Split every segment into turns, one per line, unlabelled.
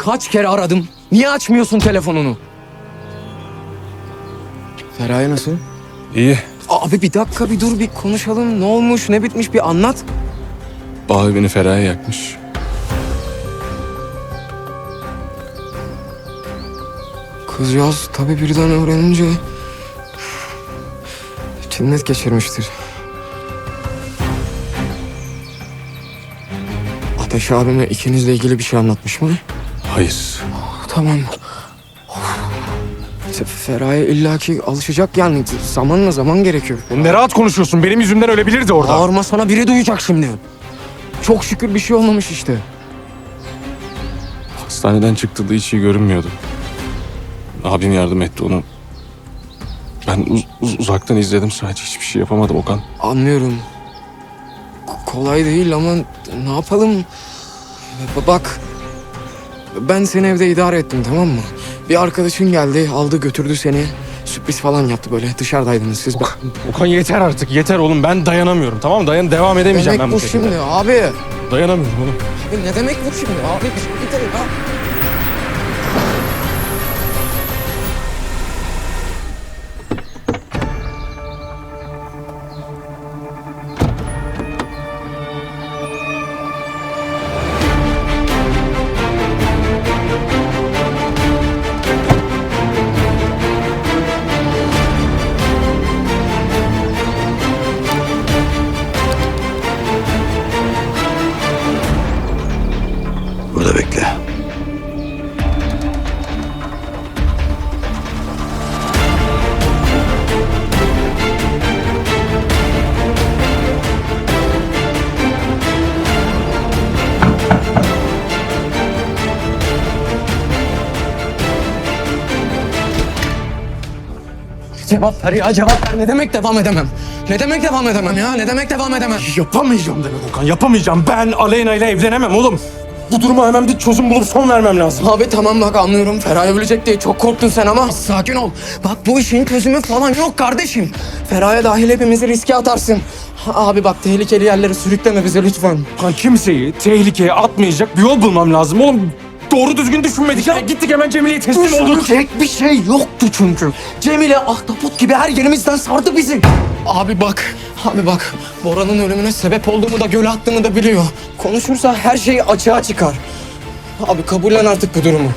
kaç kere aradım. Niye açmıyorsun telefonunu? Feraye nasıl?
İyi.
Abi bir dakika bir dur bir konuşalım. Ne olmuş ne bitmiş bir anlat.
Bağı beni Feraye yakmış.
Kızcağız tabii birden öğrenince cinnet geçirmiştir. Ateş abime ikinizle ilgili bir şey anlatmış mı?
Hayır.
Tamam. Feraye illaki alışacak yani. Zamanla zaman gerekiyor.
Ne rahat konuşuyorsun. Benim yüzümden ölebilirdi orada.
Bağırma sana biri duyacak şimdi. Çok şükür bir şey olmamış işte.
Hastaneden çıktığında hiç iyi görünmüyordu. Abim yardım etti onu. Ben uzaktan izledim sadece. Hiçbir şey yapamadım Okan.
Anlıyorum. Kolay değil ama ne yapalım? Bak, ben seni evde idare ettim, tamam mı? Bir arkadaşın geldi, aldı götürdü seni. Sürpriz falan yaptı böyle. Dışarıdaydınız siz.
Okan yeter artık. Yeter oğlum. Ben dayanamıyorum. Tamam mı? Devam edemeyeceğim
Demek
ben bu
bu
şekilde.
şimdi abi.
Dayanamıyorum oğlum.
Abi ne demek bu şimdi? Abi bir dakika.
Burada bekle.
Cevap ver ya, cevap ver. Ne demek devam edemem? Ne demek devam edemem ya? Ne demek devam edemem?
Yapamayacağım demek Okan. Yapamayacağım. Ben Aleyna ile evlenemem oğlum. Bu duruma hemen bir çözüm bulup son vermem lazım.
Abi tamam bak anlıyorum. Feraye ölecek diye çok korktun sen ama sakin ol. Bak bu işin çözümü falan yok kardeşim. Feraye dahil hepimizi riske atarsın. Abi bak tehlikeli yerlere sürükleme bizi lütfen.
Okan kimseyi tehlikeye atmayacak bir yol bulmam lazım oğlum. Doğru düzgün düşünmedik ya. Gittik hemen Cemile'ye teslim olduk.
Düşünecek bir şey yoktu çünkü. Cemile ahtapot gibi her yerimizden sardı bizi. Abi bak Bora'nın ölümüne sebep olduğumu da göle attığımı da biliyor. Konuşursa her şey açığa çıkar. Abi kabullen artık bu durumu.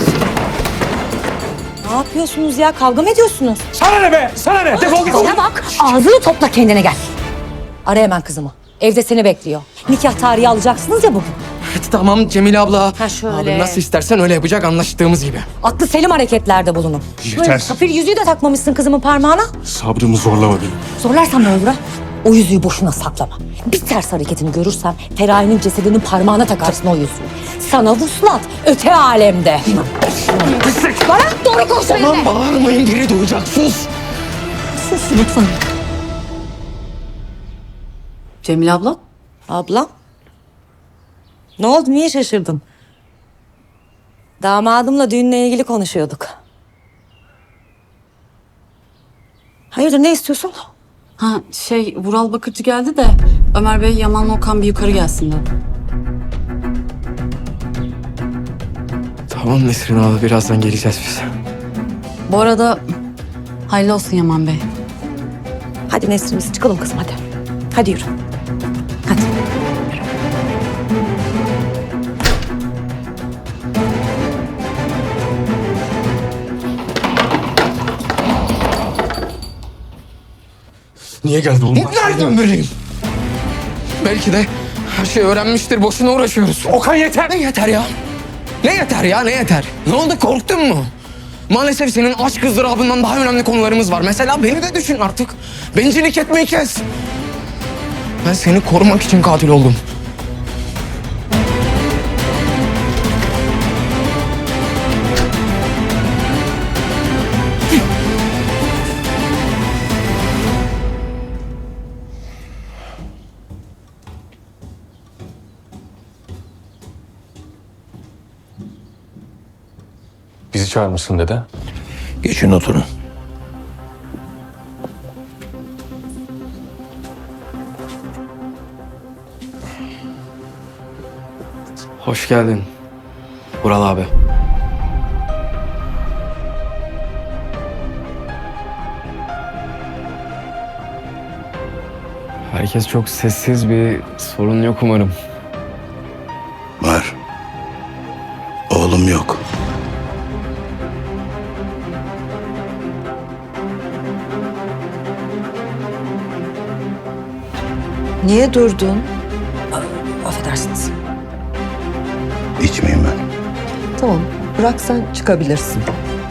Ne yapıyorsunuz ya? Kavga mı ediyorsunuz?
Sana ne be? Sana ne? Defol git.
Bana bak, ağzını topla kendine gel. Ara hemen kızımı. Evde seni bekliyor. Nikah tarihi alacaksınız ya bugün.
Tamam Cemile abla.
Ha, şöyle.
Abi nasıl istersen öyle yapacak anlaştığımız gibi.
Aklı selim hareketlerde bulunun.
Yeter.
Safir yüzüğü de takmamışsın kızımın parmağına.
Sabrımı zorlama benim.
Zorlarsam ne olur ha? O yüzüğü boşuna saklama. Bir ters hareketini görürsem Feraye'nin cesedinin parmağına takarsın o yüzüğü. Sana vuslat öte alemde. Bana doğru konuş
Tamam
benimle.
bağırmayın biri duyacak sus.
Sus lütfen.
Cemile abla,
Ablam. Ne oldu? Niye şaşırdın? Damadımla düğünle ilgili konuşuyorduk. Hayırdır ne istiyorsun?
Vural Bakırcı geldi de Ömer Bey Yaman'la Okan bir yukarı gelsin dedi.
Tamam Nesrin abla birazdan geleceğiz biz.
Bu arada hayırlı olsun Yaman Bey.
Hadi Nesrin biz çıkalım kızım hadi. Hadi yürü. Hadi.
Niye geldi oğlum?
Nereden bileyim? Belki de her şeyi öğrenmiştir boşuna uğraşıyoruz.
Okan yeter.
Ne yeter ya? Ne yeter ya ne yeter? Ne oldu korktun mu? Maalesef senin aşk ızdırabından daha önemli konularımız var. Mesela beni de düşün artık. Bencillik etmeyi kes. Ben seni korumak için katil oldum.
Bizi çağırmışsın dede.
Geçin oturun.
Hoş geldin. Vural abi. Herkes çok sessiz, bir sorun yok umarım.
Var. Oğlum yok.
Niye durdun?
Affedersiniz.
İçmeyeyim ben.
Tamam, bırak sen çıkabilirsin.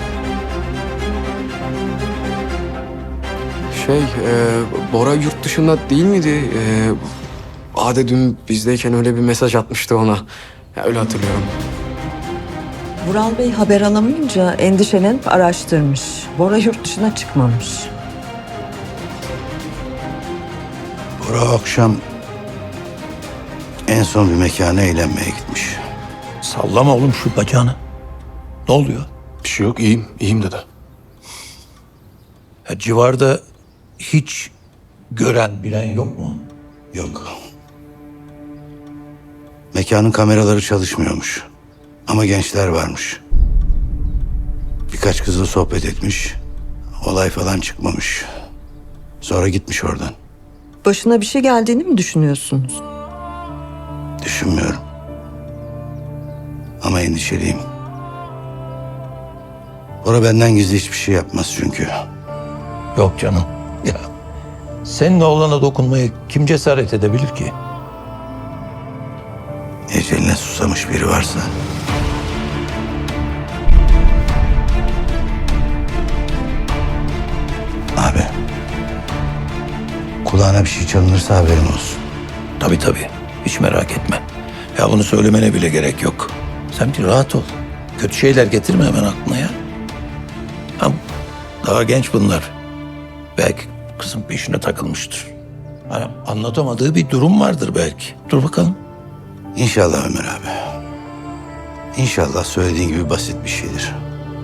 Bora yurt dışında değil miydi? Ade dün bizdeyken öyle bir mesaj atmıştı ona. Ya, öyle hatırlıyorum.
Vural Bey haber alamayınca endişelenip araştırmış. Bora yurt dışına çıkmamış.
Bora akşam en son bir mekana eğlenmeye gitmiş.
Sallama oğlum şu bacağını. Ne oluyor?
Bir şey yok, iyiyim dede.
Ya civarda hiç gören bilen yok mu?
Yok. Mekanın kameraları çalışmıyormuş. Ama gençler varmış. Birkaç kızla sohbet etmiş. Olay falan çıkmamış. Sonra gitmiş oradan.
Başına bir şey geldiğini mi düşünüyorsunuz?
Düşünmüyorum. Ama endişeliyim. Bora benden gizli hiçbir şey yapmaz çünkü.
Yok canım. Ya senin oğlana dokunmaya kim cesaret edebilir ki?
Eceline susamış biri varsa. Abi. Kulağına bir şey çalınırsa haberin olsun.
Tabii. Hiç merak etme. Ya bunu söylemene bile gerek yok. Sen bir rahat ol. Kötü şeyler getirme hemen aklına ya. Ha, daha genç bunlar. Belki kızın peşine takılmıştır. Hani anlatamadığı bir durum vardır belki. Dur bakalım.
İnşallah Ömer abi. İnşallah söylediğin gibi basit bir şeydir.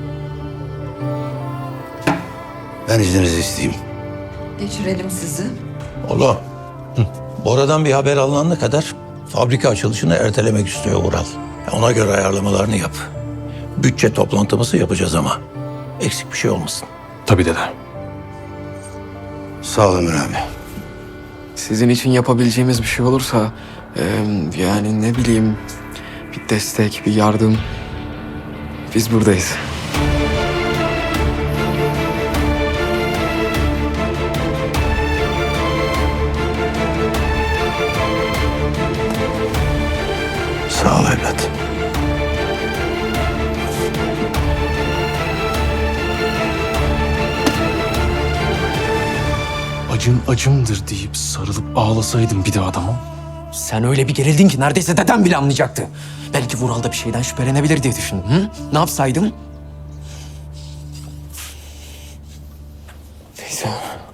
Ben izninizi isteyeyim.
Geçirelim sizi.
Oğlum. Bora'dan bir haber alınana kadar fabrika açılışını ertelemek istiyor Ural. Ona göre ayarlamalarını yap. Bütçe toplantımızı yapacağız ama. Eksik bir şey olmasın.
Tabii dede.
Sağ ol Ömer abi.
Sizin için yapabileceğimiz bir şey olursa... yani ne bileyim... Bir destek, bir yardım... Biz buradayız.
Sağ ol evlat.
Acın acımdır deyip sarılıp ağlasaydım bir de adama.
Sen öyle bir gerildin ki neredeyse dedem bile anlayacaktı. Belki Vural da bir şeyden şüphelenebilir diye düşündüm. Hı? Ne yapsaydım? Neyse.